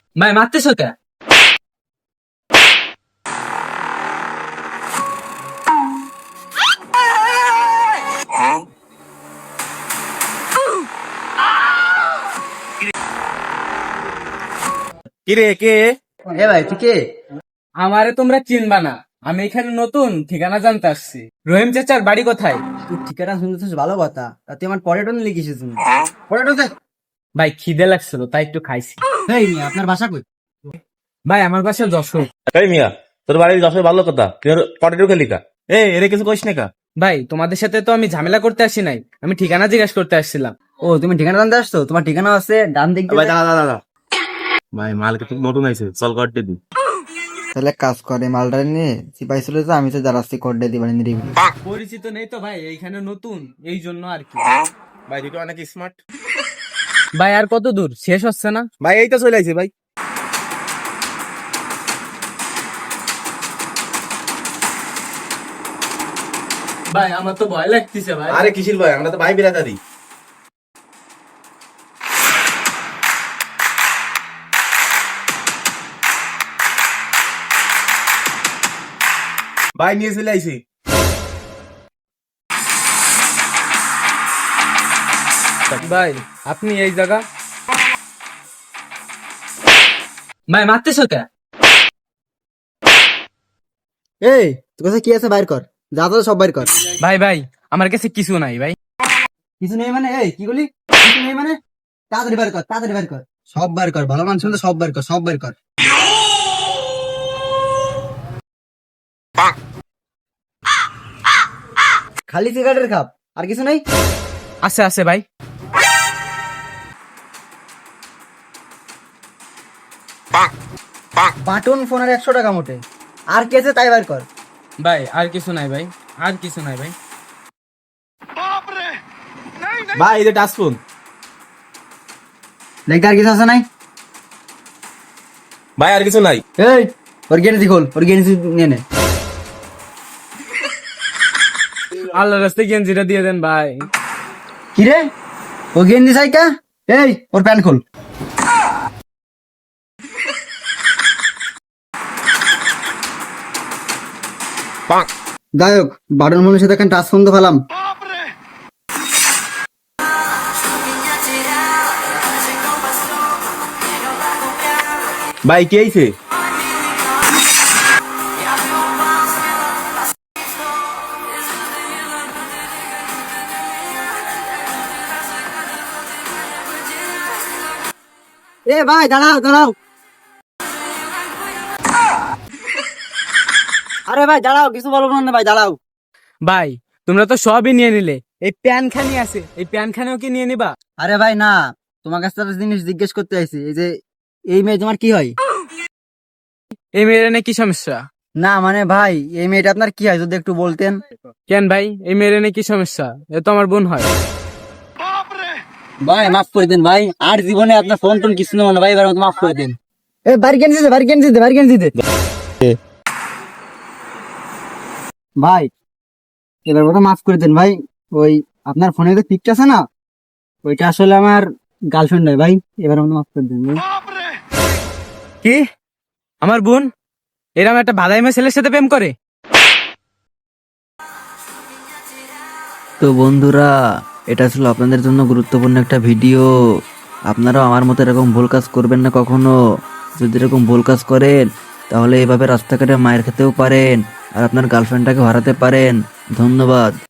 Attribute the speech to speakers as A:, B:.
A: ভাই মারতেছো কে?
B: কিরে কে?
C: এ ভাই তুই কে?
A: আমারে তোমরা চিনবা না, আমি এখানে নতুন, ঠিকানা জানতে আসছি। রহিম চাচার বাড়ি কোথায়?
C: তুই ঠিকানা শুনতেছিস ভালো কথা, তা তুই আমার পর্যটন লিখিস তুমি পর্যটন।
A: ভাই খিদে লাগছিল তাই একটু খাইছি।
C: এই মিয়া আপনার ভাষা কই?
A: ভাই আমার বাসা যশোর।
B: এই মিয়া, তোর বাড়ির যশোর ভালো কথা, তুই পটেটো খেলি কা? এরে কিছু কইস না কা?
A: ভাই তোমাদের সাথে তো আমি ঝামেলা করতে আসি নাই, আমি ঠিকানা জিজ্ঞাসা করতে আসছিলাম।
C: ও তুমি ঠিকানা জানতে আসছো? তোমার ঠিকানা আছে ডান দিক
B: ভাই
C: দিয়ে।
B: দাঁড়া দাঁড়া। ভাই মাল কিন্তু নতুন আইছে, চল করতে দি।
C: তাহলে কাজ করে মালটা নিয়ে সিপাই ছিল তো আমি তো যারাচ্ছি কোডে দিবানি নিরিবিলি।
A: পরিচিত নেই তো ভাই, এইখানে নতুন, এই জন্য আর কি।
B: ভাই তুই তো অনেক স্মার্ট।
A: ভাই আর কত দূর, শেষ হচ্ছে না?
B: ভাই এই তো চলে আইছে ভাই।
A: ভাই আমার তো ভয় লাগতেছে ভাই।
B: আরে কিসির ভাই, আমরা তো ভাই বিরাদারি। ভাই নিয়ে চলে আইছি।
A: ভাই আপনি এই জায়গা, ভাই মারতেছো কে?
C: এই তোর কাছে কি আছে বাইর কর, যা তো সব বাইর কর।
A: ভাই ভাই আমার কাছে কিছু নাই ভাই।
C: কিছু নেই মানে? এই কি বলি কিছু নেই মানে? তাড়াতাড়ি বাইর কর, তাড়াতাড়ি বাইর কর, সব বাইর কর, ভালো মানুষ হলে সব বাইর কর, সব বাইর কর। খালি সিগারেটের খাপ, আর কিছু নেই?
A: আছে আছে ভাই।
C: বাটন ফোনের 100 টাকা মোটে, আর কি আছে তাই বাইর কর।
A: ভাই আর কিছু নাই ভাই, আর কিছু নাই ভাই।
B: ভাই এই যে টাচ ফোন।
C: দেখতে আর কিছু আছে নাই?
B: ভাই আর কিছু নাই।
C: এই ওর গেঞ্জি খোল, ওর গেঞ্জি নিয়ে নে।
A: আল্লাহর রাস্তায় গেঞ্জিটা দিয়ে দেন ভাই।
C: কি রে, ও গেঞ্জি চাইকা? এই ওর প্যান্ট খোল। যাই হোক, বাটন ফোনের সাথে টাচ ফোন তো পেলাম।
B: ভাই কি আইছে?
C: এ ভাই দাঁড়াও দাঁড়াও, আরে ভাই দাঁড়াও, কিছু বলবো না ভাই, দাঁড়াও।
A: ভাই তোমরা তো সবই নিয়ে নিলে, এই প্যান খানি আছে, এই প্যান খানিও কি নিয়ে নিবা?
C: আরে ভাই না, তোমার কাছে একটা জিনিস জিজ্ঞেস করতে আইছি, এই যে এই মেয়ে তোমার কি হয়?
A: এই মেয়ের এনে কি সমস্যা?
C: না মানে ভাই, এই মেয়েটা আপনার কি হয় যদি একটু বলতেন।
A: কেন ভাই, এই মেয়ের এনে কি সমস্যা? এ তো আমার বোন হয়।
C: ভাই মাফ করে দেন ভাই, আর জীবনে আপনার ফোন টোন কিছু নেবো না ভাই, এবার মাফ করে দেন। এ বাড়ি গেঞ্জি দে, বাড়ি গেঞ্জি দে, বাড়ি গেঞ্জি দে ভাই, এবার মতো মাফ করে দেন ভাই। ওই আপনার ফোনে যে পিকটা আছে না, ওইটা আসলে আমার গার্লফ্রেন্ড নয় ভাই, এবার মতো মাফ করে দেন ভাই।
A: কি, আমার বোন এরকম একটা ভাদাইমা ছেলের সাথে প্রেম করে?
C: তো বন্ধুরা, এটা ছিল আপনাদের জন্য গুরুত্বপূর্ণ একটা ভিডিও। আপনারাও আমার মতো এরকম ভুল কাজ করবেন না কখনো। যদি এরকম ভুল কাজ করেন, তাহলে এভাবে রাস্তাঘাটে মায়ের খেতেও পারেন, আর আপনার গার্লফ্রেন্ডটাকে হারাতে পারেন। ধন্যবাদ।